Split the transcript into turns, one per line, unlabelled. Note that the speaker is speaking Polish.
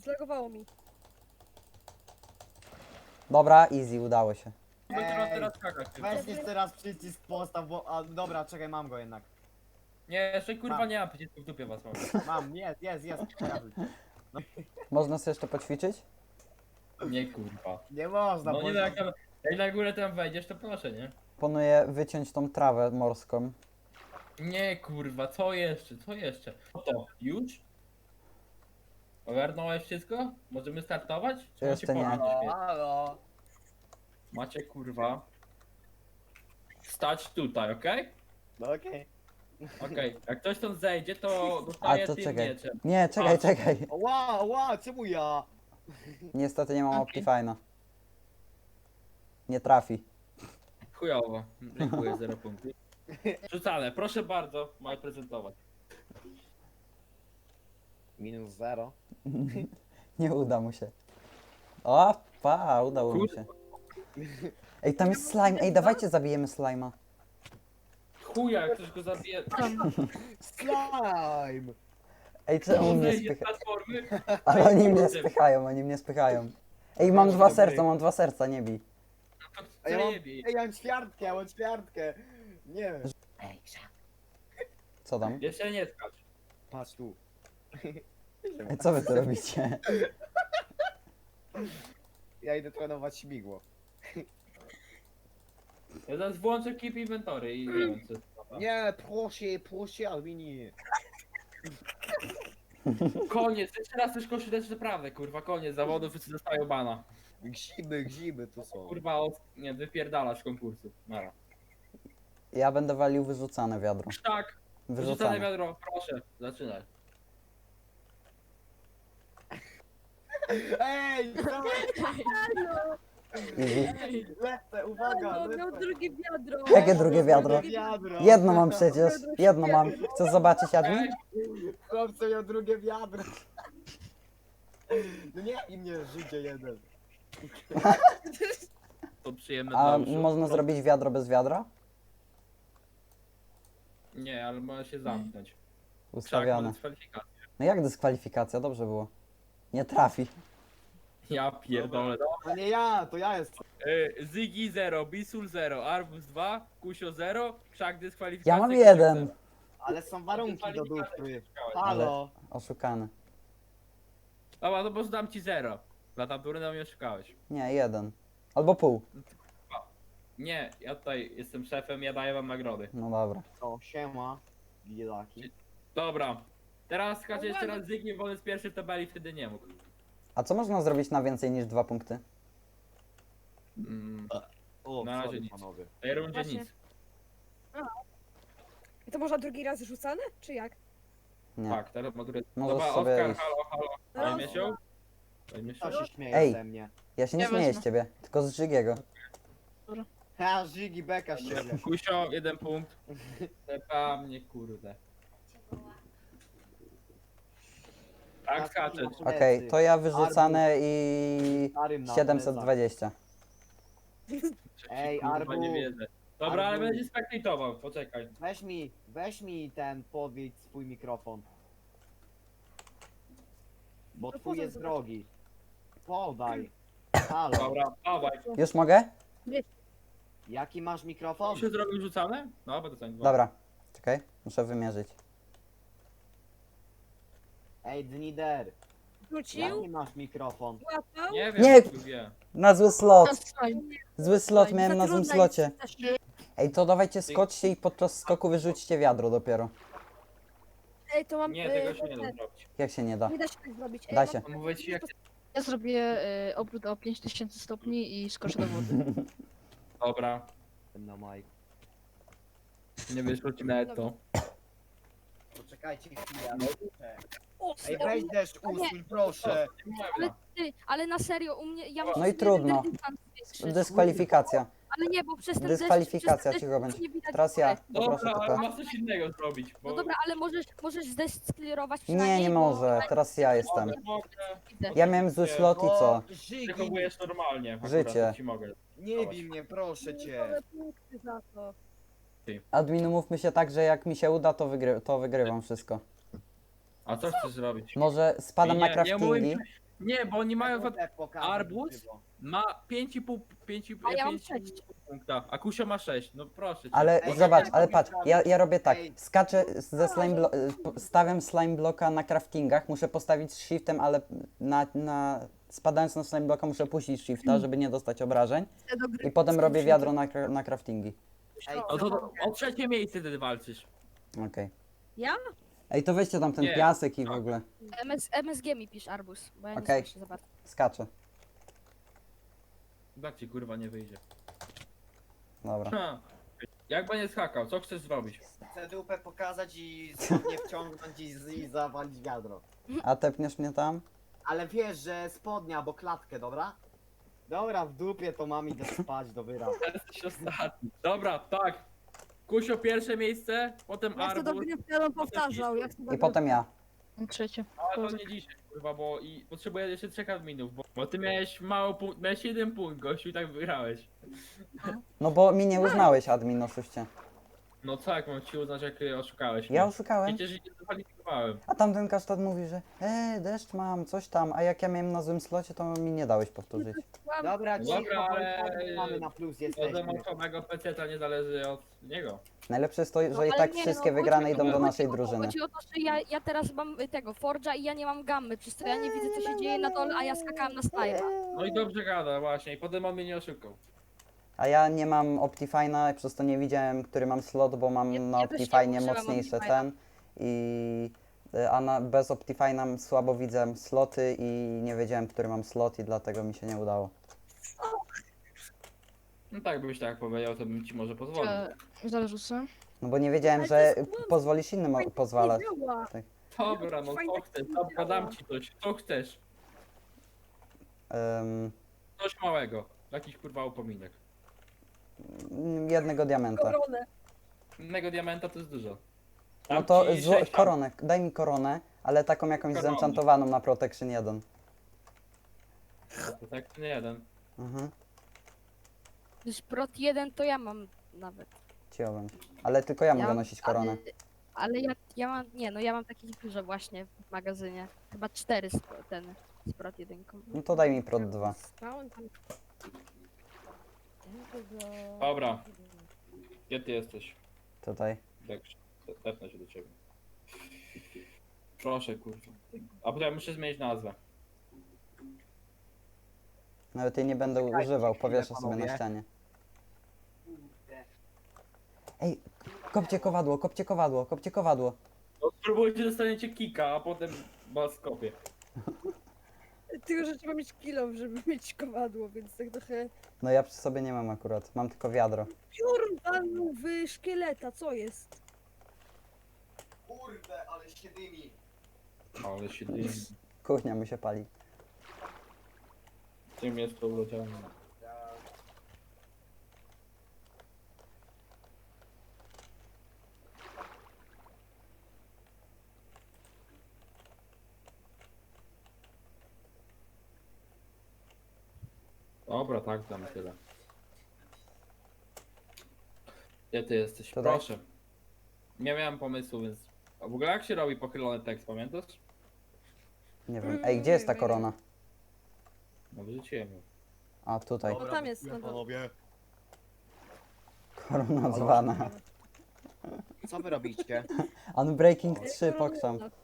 Zlagowało mi.
Dobra, easy, udało się.
Będę teraz skakać.
Weź jeszcze raz przycisk postaw, bo... A, dobra, czekaj, mam go jednak.
Nie, jeszcze kurwa
Mam.
nie mam przycisku w dupie was mam.
Mam, jest, pokazuj.
Można sobie jeszcze poćwiczyć?
Nie kurwa.
Nie można,
No
bo...
nie no, jak na górę tam wejdziesz, to proszę, nie?
Planuję wyciąć tą trawę morską.
Nie kurwa, co jeszcze, co jeszcze? To, już? Ogarnąłeś wszystko? Możemy startować? Czy
Jeszcze
macie
nie.
pomysł?
Halo.
Macie kurwa stać tutaj, okej?
No okej.
Okej, jak ktoś stąd zejdzie, to dostaje
to
tym
czekaj.
mieczem.
Nie, czekaj,
A.
czekaj.
Ła, czemu ja?
Niestety nie mam
Okej.
Optifine'a. Nie trafi.
Chujowo, dziękuję, 0 punktów. Rzucane, proszę bardzo, mam prezentować.
Minus 0.
Nie uda mu się. O, udało mu się. Ej, tam jest slime. Ej, dawajcie zabijemy slime'a.
Chuja, jak ktoś go zabije.
Slime!
Ej, czemu
On
mnie
zejdzie z
spycha...
platformy.
Ale oni mnie spychają, oni mnie spychają. Ej, mam mam 2 serca, nie bij.
A ja mam,
Zajebij.
ej, ja mam ćwiartkę. Nie. Ej,
Co tam?
Jeszcze nie skacz.
patrz tu.
Ej, co wy tu robicie?
Ja idę trenować śmigło.
Ja zaraz włączę keep inventory i nie wiem co jest.
Nie, proszę, Almini.
Koniec, jeszcze raz też koszuleczkę naprawdę, kurwa, koniec zawodów, wszyscy dostają bana.
Gziby to są.
Kurwa, nie, wypierdalasz z konkursu. Nara.
Ja będę walił wyrzucane wiadro.
Tak, wyrzucane
Wyrzucane.
wiadro, proszę, zaczynaj.
Ej, dawaj,
Easy.
lecę, uwaga,
No, miał
lecę.
drugie wiadro.
Jakie drugie wiadro?
Wiadro.
Jedno mam przecież. Jedno mam. Chcesz zobaczyć, Admin?
Chłopcy miał drugie wiadro. No nie i mnie życie jeden.
To przyjemne
A
dla uszu.
można zrobić wiadro bez wiadra?
Nie, ale może się zamknąć. Krzak,
Ustawione.
może dyskwalifikacja.
No jak dyskwalifikacja? Dobrze było. Nie trafi.
Ja pierdolę.
To nie ja, to ja jestem.
Zygi 0, Bisul 0, Arbus 2, Kusio 0, Krzak dyskwalifikacja.
Ja mam
Krzysiek
1.
0.
Ale są warunki do dupy.
Ale-
Halo.
Oszukany.
Dobra, no bo zdam ci 0. Za tamtury na mnie oszukałeś.
Nie, 1. Albo pół.
Nie, ja tutaj jestem szefem, ja daję wam nagrody.
No dobra.
O, siema. Biedaki.
Dobra. Teraz skacze jeszcze raz Zygi, bo on jest pierwszy w tabeli, wtedy nie mógł.
A co można zrobić na więcej niż 2 punkty?
O,
Na razie
sorry,
nic.
panowie.
W tej rundzie
Właśnie.
nic.
I to można drugi raz rzucane? Czy jak?
Nie.
Tak, teraz maturę.
Możesz
Dobra,
sobie
Oskar,
iść.
halo.
Teraz?
Dajmy się. Dajmy się.
Kto się śmieje
Ej.
ze mnie?
Ja się nie
Ja
śmieję
wezmę.
z ciebie, tylko z Żygiego.
Ha, Żygi beka z ciebie.
Kusio, 1 punkt. Tepa mnie, kurde. Tak skaczesz.
Okej, to ja wyrzucane i
Starym na
720.
Ej,
Kurwa,
Arbu.
nie wierzę. Dobra, ale
Arbu.
będzie spektatował, poczekaj.
Weź mi ten, podwiedź swój mikrofon. Bo
No
twój
po co
jest
to?
drogi. Podaj. Halo,
Dobra, dawaj.
Już mogę?
jaki masz mikrofon?
Się zrobił rzucane? No, bo to są dwa.
Dobra. Czekaj, muszę wymierzyć.
Ej, Dnider,
Wrócił?
jaki masz mikrofon?
Łapał?
Nie wiem,
Nie.
wie.
Na zły slot.
Slime.
Zły slot miałem na złym
Zatrudniaj
slocie.
się.
Ej, to dawajcie skoczcie i podczas skoku wyrzućcie wiadro dopiero.
Ej, to mam...
Nie, tego się nie da zrobić.
Jak się nie da?
Nie da się tak zrobić. Ej,
Da
mam-
się.
Mówię ci, jak...
Ja zrobię obrót o 5000 stopni i skoczę do wody.
Dobra,
No Mike.
nie wyszło ci nawet to.
Poczekajcie chwilę.
O,
Ej, weź deszcz usuń, proszę.
Ale ty, ale na serio, u mnie, ja muszę
No i
sobie
trudno.
jeden dystans zwiększyć.
Dyskwalifikacja.
Ale nie, bo przez ten
Dyskwalifikacja
deszcz, przez
cicho
ten
będzie.
deszcz nie widać
Teraz ja.
góry.
Poproszę
Dobra, ale
tylko.
masz coś innego zrobić, bo...
No dobra, ale możesz zdesklirować
Nie,
przynajmniej,
nie
bo
może. Teraz ja jestem.
Mogę,
widzę.
Ja miałem zły slot i co?
Żygi,
przechowujesz normalnie. akurat,
Życie.
to ci mogę.
nie bij mnie, proszę cię.
Ale punkty za to.
Admin, umówmy się tak, że jak mi się uda, to wygrywam wszystko.
A co chcesz zrobić?
Może spadam na
Nie
craftingi.
Nie, bo oni mają...
Pokażę
arbuz?
żywo.
Ma 5,5
A ja mam
5,5
6.
punkta, a Kusio ma 6. No proszę cię.
Ale
Ej,
zobacz,
ej,
ale
ej,
patrz,
ej,
ja robię tak,
ej.
skaczę ze stawiam slime bloka na craftingach, muszę postawić shiftem, ale spadając na slime bloka muszę puścić shifta, żeby nie dostać obrażeń i potem robię wiadro na craftingi.
Ej,
No to o trzecie miejsce wtedy walczysz.
Okej.
Ja?
Ej, to weźcie tam ten
Nie.
piasek i w ogóle.
MSG mi pisz arbuz, bo ja nie
Okej.
słyszę za bardzo.
Skaczę.
Tak ci kurwa nie wyjdzie.
Dobra.
Ha. Jak będzie skakał, co chcesz zrobić?
Chcę dupę pokazać i spodnie wciągnąć i zawalić wiadro.
A tepniesz mnie tam?
Ale wiesz, że spodnia albo klatkę, dobra? Dobra, w dupie to mam idę spać do wyra.
Jesteś ostatni. Dobra, tak. Kusio pierwsze miejsce, potem
Ja chcę do
arbuz.
gry wtedy powtarzał. Ja chcę do
I
gry
potem ja.
Trzecie.
Ale to nie dzisiaj, kurwa, bo i potrzebuję jeszcze 3 adminów, bo ty miałeś mało punkt, miałeś 1 punkt, gościu, i tak wygrałeś.
No bo mi nie uznałeś admin, oszuście.
No tak, mam ci uznać, jak oszukałeś
Ja
mnie.
oszukałem.
Przecież nie zakwalifikowałem.
A tamten kasztan mówi, że deszcz mam, coś tam, a jak ja miałem na złym slocie, to mi nie dałeś powtórzyć.
Dobra,
Dobra,
cicho,
ale-
mamy na plus
Od
jesteśmy.
zamontowanego PC nie zależy od niego.
Najlepsze jest to,
No,
że i
ale
tak
nie,
wszystkie
no,
wygrane
chodzi-
idą do
chodzi
naszej
o to,
drużyny.
Chodzi o to, że ja teraz mam tego Forge'a i ja nie mam gammy, przez to ja nie widzę co się dzieje na dole, a ja skakałam na slime'a.
No i dobrze gada właśnie, i potem on mnie nie oszukał.
A ja nie mam Optifine'a, przez to nie widziałem, który mam slot, bo mam
Ja-
na
ja też nie
Optifine'ie
używam
mocniejsze
Optifine'a.
ten. Bez Optifine'a słabo widzę sloty i nie wiedziałem, który mam slot i dlatego mi się nie udało.
No tak, byś tak powiedział, to bym ci może pozwolił.
Zarzucę.
No bo nie wiedziałem,
Ale to
że
jest kłamstwo.
pozwolisz innym pozwalać.
Nie działa.
Dobra, no
Fajnie
co chcesz, dobra, dam ci coś, co chcesz. Coś małego, jakiś kurwa upominek.
Jednego diamenta.
Koronę.
Innego diamenta to jest dużo.
No
Dam
to
ci 6
koronę, daj mi koronę, ale taką jakąś
Koronę.
zenchantowaną na Protection 1.
To tak nie jeden.
Mhm,
Już prot 1 to ja mam nawet.
ciąłem. Ale tylko ja mogę
mam-
nosić koronę.
Ale ja mam, nie no ja mam takich dużo właśnie w magazynie. Chyba 4 z prot 1.
No to daj mi prot 2.
Dobra. Gdzie ty jesteś?
Tutaj.
Dex, tepnę się do ciebie. Proszę, kurwa. A potem muszę zmienić nazwę.
Nawet jej nie będę używał, powieszę sobie na
panowie.
ścianie. Ej, kopcie kowadło, kopcie kowadło, kopcie kowadło.
No spróbujcie, dostaniecie kika, a potem was kopię.
Tylko, że trzeba mieć kilo, żeby mieć kowadło, więc tak trochę...
No ja przy sobie nie mam akurat, mam tylko wiadro.
Piór walnął w szkieleta, co jest?
Kurde, ale się dymi.
Ale się dymi.
Kuchnia mi się pali.
Czym jest to urodzione? Dobra, tak, damy tyle. Gdzie ty jesteś?
Tutaj?
Proszę. Nie miałem pomysłu, więc... A w ogóle jak się robi pochylony tekst, pamiętasz?
Nie wiem. Ej, gdzie jest ta korona?
No wyrzuciłem ją.
A, tutaj.
No tam jest, no to...
Panowie.
Korona zwana.
Co wy robicie?
Unbreaking 3 pokrzam.
Korona.